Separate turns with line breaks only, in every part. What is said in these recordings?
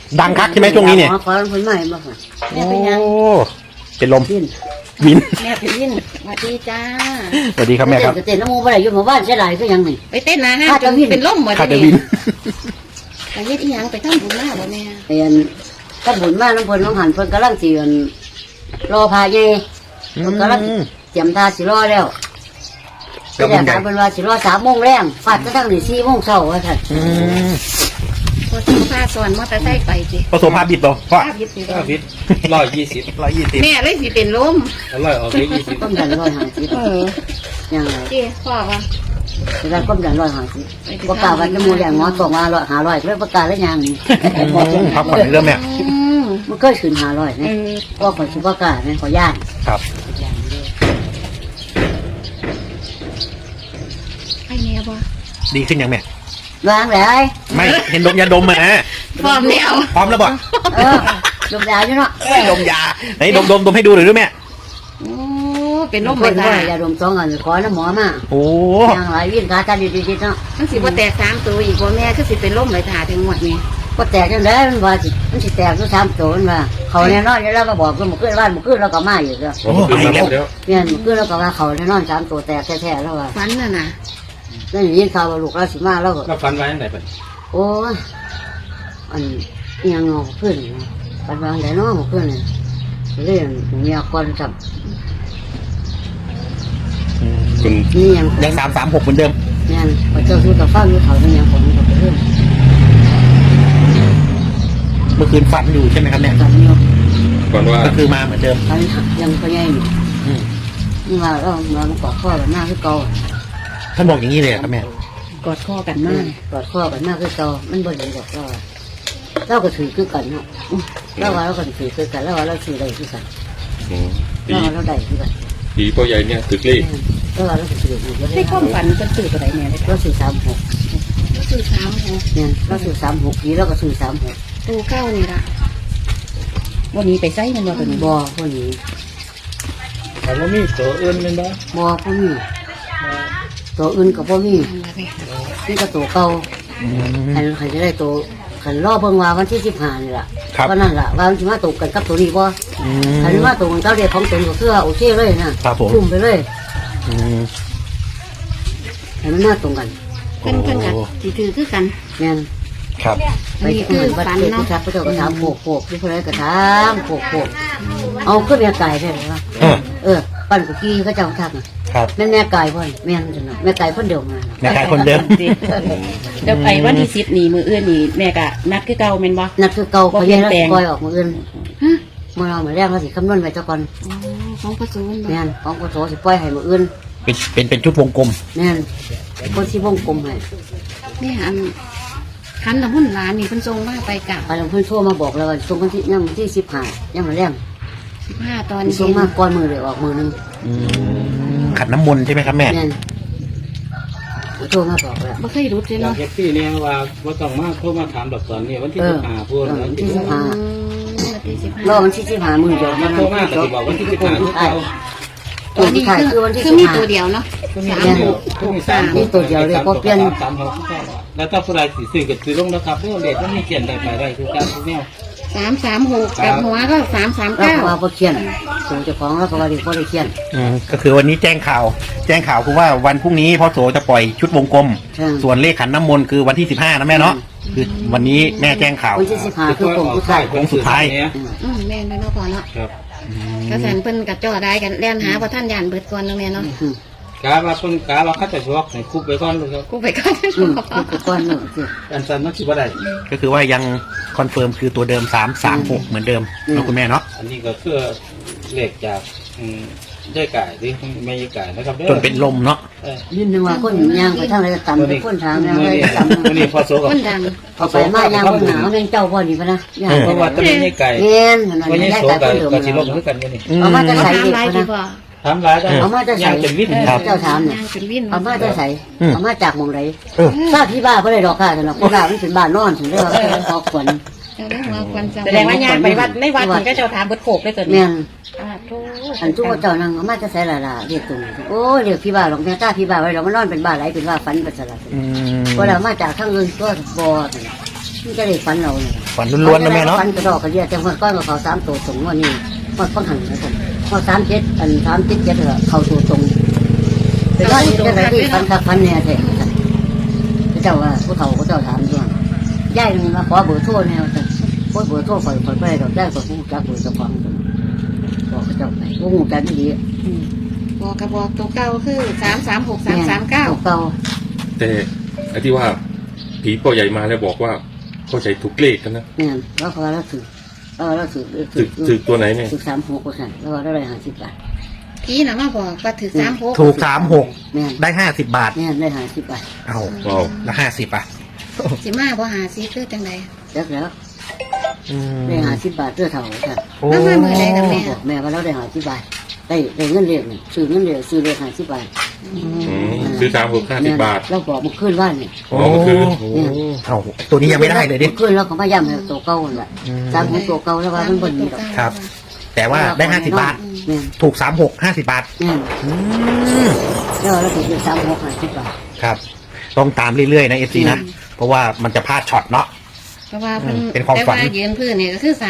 ดังคักใช่ไหมช่วงนี้เนี่ย
ขอคนใหม่มาค่ะ
โอ้เป็นลม
วิน
วิน
แม่ไปยินสวัสดีจ้า
สวัสดีครับแม่ครับ
เต้นน้ำมูกอะไรอยู่หมู่บ้านใช่ไรก็ยังนี่
ไปเต้นนะฮะ
ข้าจะวิ่ง
เป็นล่มหมด
คา
เล
จะ
ย
วิน
ไปเฮ็ดอีหยังไปทำบุญมาบ่แม่
เรียนก็บุญมากน้ำพลน้องหันเพิ่นกำลังสิรอพาเย่เพิ่นกำลังเตรียมท่าสิรอแล้วก็อยากถามเพิ่นว่าสิรอ3 โมงแรงฟาดกระทั่งนี่4 โมงเช้าว่าท่าน
พอซื้อผ้าส่วนมอเตอร์ไซค์ไปสิ
ประสบภาพบิดบ่พ่อ
ภาพยึดสิ
5 ฟิต120
120
แม่เลยสิเป็นลม
100ออกได้20
ก้มดัน150ยังไง
เจ้พ่อว่า
เวลาก้มดัน150ประกาศว่าจะมูแรงงอตกมา500เลยประกาศแล้วยังนี่
พักผ่อนในเรื่องแม่
มันเคยขึ้น500นะว่าคนสิประกาศนะขอย่าน
ครับ
ให้แม่บ่
ดีขึ้นยังแม่
วางเลย
ไม่เห็นดมยาดมมานะ
พร้อมแล้ว
พร้อมแล้วบ่
ดมยาอยู่เนาะ
ดมยาไหนดมให้ดูหน่อยด้วยแม่
โอ้เป็นลม
ค
ไป
น
จ้า
ว่ายาดม2 อันขอน้ำหมอมา
โอ้
ยังหลายวิ่งขาตาดีๆเนาะ
มันสิบ่แตก3ตัวอีกบ่แม่คือสิเป็นลมไปถ่าถึงหมดนี่
ก็แตกจังได๋มันว่าสิมันสิแตกอยู่3 ตัวมันว่าเขาแน่นอนอยู่แล้วก็บอกมันขึ้นบ้านมันขึ้นแล้วก็มาอยู่แล้ว
โอ้ไปแล้ว
เนี่ยมันขึ้นแล้วก็ว่าเขาแน่นอน3 ตัวแตกแท้ๆแล้วว่า
ฝันน่ะนะ
นั่นยินข่าวว่าลูกเราสิมาแล้วก็
แล้วฟันไว้จังได๋เพิ่น
โอ้ยอันอิหยังเอาขึ้นปันวางได้เนาะมันขึ้นเนี่ยเรื่องเมียคนจับ
คุณ
นี่ยัง
ยัง336เหมือนเดิม
เนี่ยพอเจ้าสู้กับฟ้าอยู่เขาเป็นยังผมก็ไปเรื่อง
เมื่อคืนฝันอยู่ใช่ไหมครับเนี่ย
จับอยู่
ก่อนว่า
ก็คือมาเหมือนเดิม
เขายังก็ยังอยู่
อืม
นี่ว่าเรามันกอดข้อกันหน้าคือเก่า
ท่านบอกอย่างนี้เลยเหรอครับแม่
กอดคอกันมาก
กอดข้อกันหน้าคือเก่ามันบ่เห็นดอกเราก็ถือคือกันเนาะเราว่าเราก็ถือคือกันเราว่าเราถือได้คือกัน
ปี
เราว่าเราได้คือกัน
ปีพ่อใหญ่เนี่ยตึกเลข
เราว่าเราถืออยู่แล้ว
ในความฝันเป็นสื่อตัวไหนแม่เลย
เราถือ36
สื่อ3
เนี่ยเราถือ36ปีเราก็ถือ36
ตัวเก้านี่ล่ะวันนี้ไปไสมันบ่ตัวนี้
บ่พวกนี้
แต่ว่ามีตัวอื่นแม่นบ่
บ่พวกนี้ตัวอื่นก็บ่มีนี่ก็ตัวเก่าใครจะได้ตัวขันรอเบิ่งว่าวันที่15นี่ล่ะวันนั้นล่ะว่ามันสิมาตกกันกับตัวนี้บ่คันมาตกกันกับเด็กของตนก็คือโอเคเลยนะครับ
ผม
คุ้มไปเลย
อืม
ให้มันมาตรงกัน
เพิ่นกันสิถือคือกัน
แม่น
ครับ
ไปที่อื่นบัดเจ็บที่ทักพระเจ้าก็ถามโขกที่เพิ่นก็ถามโขกเอาขึ้นแม่ไก่ได้หรือว่าปั้นกุกี้เขาเจ้าทัก
ครับ
แม่นแม่ไก่เพิ่นแม่นจังแม่ไก่เพิ่นเดียวมา
แม่กายคนเดิม
เดี๋ยวไปวันที่10นี่มื้ออื่นนี่แม่ก็นัดคือเก่าแม่นบ่
นัดคือเก่าเขาแย่แล้วปล่อยออกมื้ออื่น
ฮะ
มื่อเรามาแรกเราสิคำนวณไว้เจ้าก่อน
ของประสูนบ่
แม่นของกศสิปล่อยให้มื้ออื่น
เป็นชุดวงกลม
แม่นคนที่วงกลมให้
แม่อันคันน้ำหุ่นหลานนี่เพิ่นส่งมาไปกะ
ไปลงเพิ่นโทรมาบอกแล้วว่าส่งวันที่ยังวันที่15ยังมาแรง
15ตอน
ส่
เย็
ง
น
มาก่อนมือเลยออกมือนึง
ขัดน้ำมนต์ใช่ไหมครับแม่
แม่นโทรมาบอกแล้ว
บ่เคยรู้เลย
อยาก
เนาะ
เฮ็ดที่เนี่ยว่าบ่ต้องมาโทรมาถามดอกตอนนี้วันที่15พูด
วันที่
วันที่
รอวันที่15มื้อเดียว
มาโทรมาก็สิบอกวันที่15คือเก่า
ตัวที่ขายคือวันที่
คือมีตัวเดียวเนาะ
นี่ตัวเดียวเลยเพราะเปลี่ยน
แล้วถ้าผู้ใดสิซื้อก็ซื้อลงนะครับเรื่องเด็ดมันมีเขียนได้ไปได้คือการทุกแนว
336กับหัวก็
เราก็ว่าบ่เขียนตัวเจ้าของเราก็ว่าดีบ่ได้เขียน
ก็คือวันนี้แจ้งข่าวคือว่าวันพรุ่งนี้พ่อโสจะปล่อยชุดวงกลม ส่วนเลขขันน้ำมนต์คือวันที่15นะแม่เนาะคือวันนี้แม่แจ้งข่าว
วันที่15คือผมผู้ชาย
โค้งสุดท้าย
แม่นเนาะพอเนาะ
ครับ
กระแสนเพิ่นกับจ่อได้กันแล่นหาบ่ท่านยานเบิดก่อนเนาะแม่เนาะ
กาว่าเพิ่นกาว่าเขาจะชวกให้คุบไปก่อนเลยครับ
กูไปก่อน
คือก้อนหนึ่งสิ
อันซันมันสิบ่ได้
ก็คือว่ายังคอนเฟิร์มคือตัวเดิม336เหมือนเดิมเนาะคุณแม่เนาะ
อันนี้ก็คือเลขจากได้ไก่ที่ไม่ได้ไก่นะครับ
จนเป็นลมเนาะ
ยินนึงว่าคนย่างไปทางไหนก็ต่ำคนทางย่างไปต่ำ
วันนี้พอโซกับ
คนดัง
เอาไปมาย่างบนหนาวแม่งเจ้าพ่อนี่พะนะย่าง
เพราะว่าตอนนี้ไก่
เงี้ยขนาด
วัน
นี้
นี้
ได้
โซ
แต่
กับ
คนเดิม
ก็สิลงคือกันอยู่นี่
เอามาจะใส่
ถาม
เด็ก
หลาย
พะ
ดี
นะ
กว่า
ถามร้ายกัน
เอามาจะใส่
ยังเป็นวิทย์
เจ้าถามเนี่ย
ย่างเป็นวิน
เอามาจะใส่เอามาจากมองไหนทราบที่บ้าเพราะอะไรดอกค่ะสำหรับคนบ้ามันเป็นบ้านนอนถึงได้ว่าพอขวัญ
แสดงว่ายางไปวัดในวัดมันก็จะถามเบิดโขกได้ตัวนี้
แม่น
โธ่
อันทุกเจ้านั่งเอามาจะใส่ละละเรียกตรงโอ้เรียกพี่บ้าหรอกแม่ตาพี่บ้าไว้เรามันนอนเป็นบ้าไหลเป็นบ้าฝันเป็นสลัด
อืม
พอเรามาจากข้างอื่นก็บ่มันจะได้ฝันเราเนี่ย
ฝันล้วนๆนะแม่เนาะ
ฝันกระดอกกระเดียแต่ว่าก้อนกับเขา3ตัวตรงว่านี่ว่าฟังหันนะผมว่า37อัน37เถอะเขาตัวตรงแต่ว่าที่จะไปที่ฝันกับฝันเนี่ยแท้เจ้าว่าผู้เฒ่าก็เจ้าถามด้วยย่ายมันมาขอเบอร์โทรแนวแต่โคตรเบอร์โทรข่อยไปดอกย่ายก็ฮู้จักเบอร์เจ้าของบอกเจ้าไปฮู้จักดี
บอกกระบอกตัวเก่าคือ336 339
เก่า
แต่ไอ้ที่ว่าผีพ่อใหญ่มาแล้วบอกว่าพ่อใหญ่ถูกเลขกันนะ
เนี่ยแล้วเขาแล้วถือแล้วถือ
ถึกตัวไหนเนี่ย
ถือ36%แล้วได้50 บาท
พี่น่ะมาบอกว่าถือ36
ถูก36
แม่น
ได้50 บาท
เนี่ยได้50 บาท
เอา
ว้าว
แล้ว50อ่ะ
สิมาบ่หาซิคือจังได๋
แล้ว
อืม
ได้50 บาทเพื่อเท่าค่ะ
โอ้
แล้วมามื้อใดกันแม่
บอกแม่ว่าเราได้50 บาทได้เงินเรียกนี่ซื้อเงินเรียกซื้อเลข50 บาท
ซื้อ350 บาท
เราบอกมันขึ้นว่านี่
โอ้
เมื่อคืน
เอาตัวนี้ยังไม่ได้เลยดิ
ขึ้นแล้วเขามาย้ำให้ตัวเก่าแหละ3ตัวเก่าแล้วว่ามันบ่มีดอก
ครับ แต่ว่าได้50 บาท
แม่น
ถูก36 50 บาท
แม่น
อืม
แล้วเราถูก36 50 บาท
ครับ ต้องตามเรื่อยๆนะเอฟซีนะ เพราะว่ามันจะพลาดช็อตเนาะ
เพราะว่าเพิ่น
เป็นความฝัน
แต่ว่ายืนพื้นนี่ก็คือ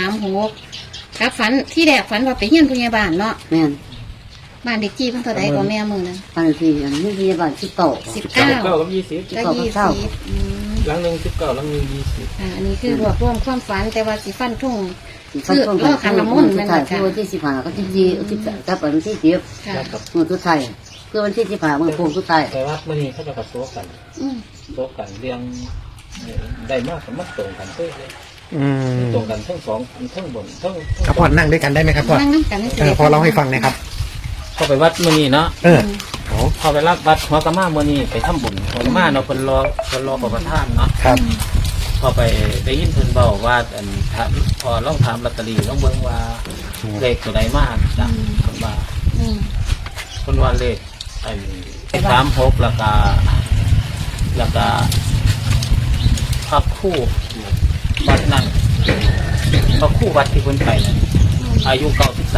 36ครับฝันที่แรกฝันว่าไปเฮียนผู้ใหญ่บ้านเนาะ
แม่น
บ้านเด็กจี้เพิ่นเท่าใดก็แม่มื้อนั้น
บางทีอันนี้พยาบาล19
เก้า
19
กับ20
ก็
เก้า
20อืม
หลังหนึ่ง19หลังหนึ่ง20
อันนี้คือรวบรวมความฝันแต่ว่าสิฟันทุ่ง
คือรอขันน้ำมนต์นั่นแหละค่ะวันที่15ก็ที่10กับวันที่10
ค่ะ
แล้วกับ
มือทุกไทยคือวันที่15มือโค้งทุกไทย
แต่ว่ามื่อนี้เขาจะกับโต๊ะกัน
อืม
โต๊ะกันเรียงได้มากกับมัดตรงกันเพื่อเลย
อืม
ตรงกันทั้งสองทั้งบนทั้ง
ครับพ่อนั่งด้วยกันได้ไหมครับพ่อ
นั่งน้ำกันให้
พ่อเล่าให้ฟังหนะครับ
เข้าไปวัดมื่อนี้เนาะ
เออ
พอไปรับวัดหัวกะมามื่อนี้ไปทำบุญหัวกะมาเนาะคนรอประทานเนาะ
ครับ
พอไปได้ยินเพิ่นเบาว่าอันถามพอลองถามลอตเตอรี่ลองเบิ่งว่าเลขตัวใดมากจ้ะคนว่า
อืม
คนว่าเลขไอ้36แล้วก็พักคู่วัดนั้นพักคู่วัดที่เพิ่นไปนั่นอายุ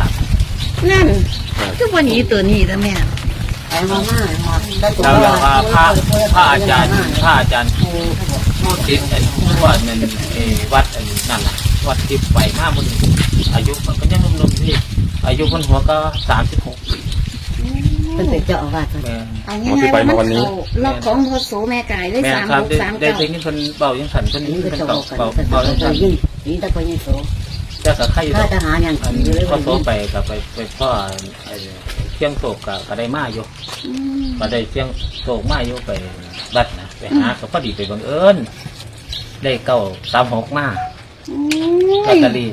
93
นั่นคือวันนี้ตัวนี้แล้วแม่
ไปมาได้ตัว
แล้วว่าพระอาจารย์ผู้ติดไอ้ผู้ว่านั่นวัดอันนั่นน่ะวัดที่ไปมาบนอายุมันก็ยังหนุ่มๆที่อายุคนหัวก็36ปี
เป็นเจ้าอาวาส
แม่
เอาง่ายๆว่ามันเขาล็อกของพศแม่กายได้
แม่ครับได้ได้ยินคนเบายังสั่นคนนี้
นี่ก็
เป็น
จะ
เบา
บอกกัน
เบายังสั่น
นี่ตะโกนยิงโส
แต่กับใครอยู่
ถ้าทหารอย่าง
อัน
อยู่เลย
ก็โตไปกับไปพ่อเที่ยงโศกกับได้มาอยู่
อืม
ก็ได้เที่ยงโศกมาอยู่ไปบัดนะไปหาก็พอดีไปบังเอิญได้936มาลอตเตอรี่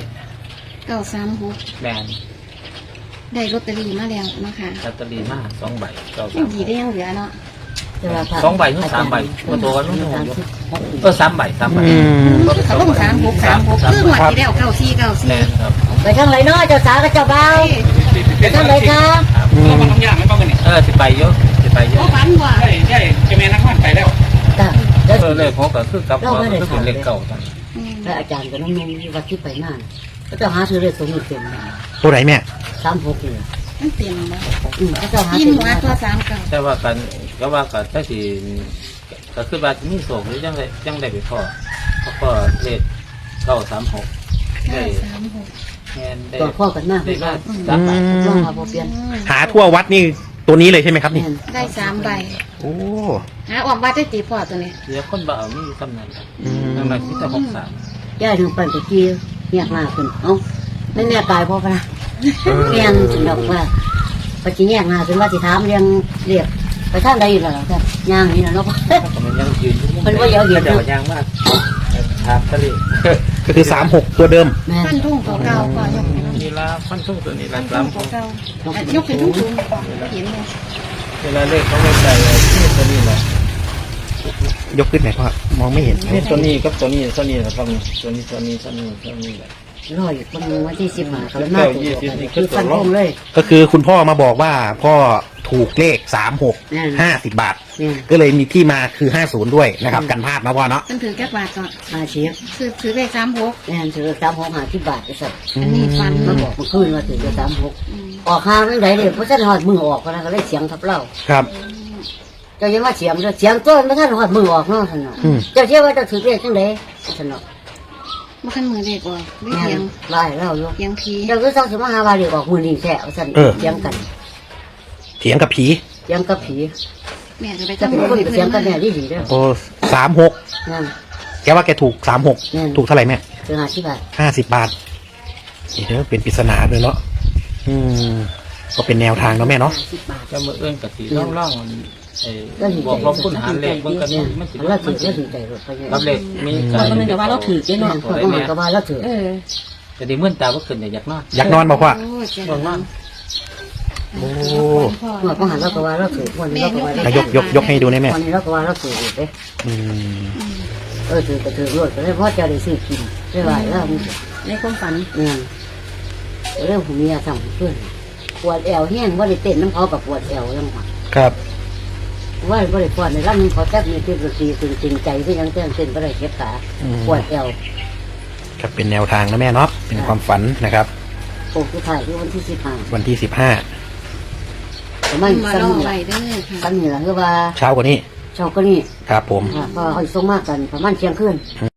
936
แม่น
ได้ลอตเตอรี่มาแล้วนะคะ
ลอตเตอรี่มา2 ใบ
ยังดีได้ยังเหลือเนาะ
2 ใบหรือ3 ใบมาตัวกันนู่นอยู่3 ใบ3 ใบ
อืม
เขาต้อง36คือหมดที่แล้ว9494
แน่นครับ
ไปทางไหนเนาะเจ้าสาวกับเจ้าบ่าวไปทางไหนคะ
สิไปเยอะสิไปเย
โอ้
อะ
ฝันว่า
จ้าแล้ว
เลขของก็คือกับว่าก็เป็นเลขเก่าจัง
อืม
อาจารย์กับน้องนุ่มที่วัดที่ไปนั่นก็จะหาซื้อเลขตัวนี้เต็ม
ตัวไหนแม่
36เลย
มันเต็มบ่
ก็จะหา
ยิน
ซื้อ
หัวตัว39
แต่ว่ากันก็ว่ากันถ้าสิก็คือว่ามีโศกหรือยังได้ไปพ่อเขาก็เลข936ได้
936
แม่นได้
ตัวพ่อกันมาก
ได้มา
อื
3 ใบ
ลอง
ม
มาพอเปลี่ยน
หาทั่ววัดนี่ตัวนี้เลยใช่ไหมครับนี่
ได้3ใบ
โอ้
หาออกว่าได้ตีพอตัวนี้
เดี๋ยวคนบ่เอามีตำแหน่ง
อืม
ตำแหน่งที่จะ63
ย่าถึงปั่นตะกี้เรียกมาขึ้นเอ้าไม่แน่ตายพ่อพระเรียนถึงดอกว่าปฏิแยกมาถึงว่าสิถามเรียกไปทางใดอยู่แล้วล่ะครับย่างนี่นะเนาะ
มันยังยืนอยู่
มันว่าเยอะอยู่
เดี๋ยวยังมากครับทะเล
ก็คือ36ตัวเดิม
แม่
ฟันทุ่งตัวเก่าก่อนยกให้น้อง
นี่ละฟันทุ่งตัวนี้ละ
ฟัน
ค
ทุ่
รั
ง
บ
ตัวเก่ายกให้ทุ่งๆก่อนเห็นเลย
เวลาเลขเขาไม่ใส่ที่ตัวนี้แหละ
ยกขึ้นไหนพ่อมองไม่เห็น
นี่ตัวนี้กับตัวนี้นะครับตัวนี้แหละ
รออยู่คนนึงวันที่15เขาเลยมาตัวคือฟันธงเลย
ก็คือคุณพ่อมาบอกว่าพ่อถูกเลข36 50 บาท
เนี่ย
ก็เลยมีที่มาคือ50ด้วยนะครับ กันพลาดนะพ่อเนาะ
มันถือแก้บาทก่อน
อาเชีย
ถือเลข36
เนี่ยถือ36 50 บาทไอ้สัตว์
อันนี้ฟัน
มาบอกเมื่อคืนว่าถือ36ออกห้าไม่ได้เลยเพราะฉันหอดมือออกก็เลยเสียงทับเล่า
ครับ
เจ้ายังว่าเสียงตัวไม่ท่านหอดมือออกเนาะท่านเนาะ
อืม
เจ้าเชื่อว่าเจ้าถือเลขจังไดท่านเนาะ
มาขั้นมือเด็กว่าไม่
แม่
เพียง
ไล่เล่าอยู่
เพียงพี
เดี๋ยวก็ต้องสิมาหาว่าเดี๋ยวออกมือนี่แท้เอาซั่นเถียงกัน
เถียงกับผี
เถียงกับผี
แม่จะไป
จะ
ทำ
เป็นคนเถียงกันแม่ดีๆเด้อ
โอ้36
นั่น
แกว่าแกถูก36ถูกเท่าไหร่แม่
คือ50 บาท
50 บาทนี่เด้อเป็นปริศนาเลยเนาะก็เป็นแนวทางเนาะแม่เนาะ
50 บาท
จะมือเอื้อนกับสีร่องๆมันบอกว่าคุณหาเลขมันก็มันสิ
แล้วถือแล้วถือใจรถไป
รับเลขมี
เราก็นึกว่าเราถือเจ๊
แม่
เนาะ
เขาก็มาก็ว่าแล้วถือ
จะได้มื่นตาว่าขึ้นอยากนอน
อยากนอนบอกว่า
โอ้เจ้า
บอกนอน
โอ้
เมื่อก็หันแล้วก็ว่าแล้วถือวันนี้แล้วก็ว่า
อ่ะยกให้ดูได้แม่
วันนี้แล้วก็ว่าแล้วถือเด้
อืม
ถือก็ถือรถก็ได้เพราะจะได้ซื้อกินได้ไหวแล้วมัน
ในความฝัน
เรื่องผมมีอาทำเพื่อนปวดแอวแห้งว่าได้เต้นน้ำเขากับปวดแอวยังหวะ
ครับ
ว่าบ่ได้ปวดในร่างนี้เขาแทบมีเต้นดนตรีจริงใจที่ยังเต้นบ่ได้เก็บขาปวดแอว
ครับเป็นแนวทางนะแม่เนาะเป็นความฝันนะครับ
โอ้ผู้ชายที่วันที่15
วันที่15
ประมาณ
มา
ซ้ำ
ลอง
นี่
ไว้เด้อค่ะ
ซ้ำนี่ล่ะคือว่า
เช้ากว่านี้
เช้าก็นี่
ครับผม
ก็เขาส่งมากันประมาณเที่ยงคืน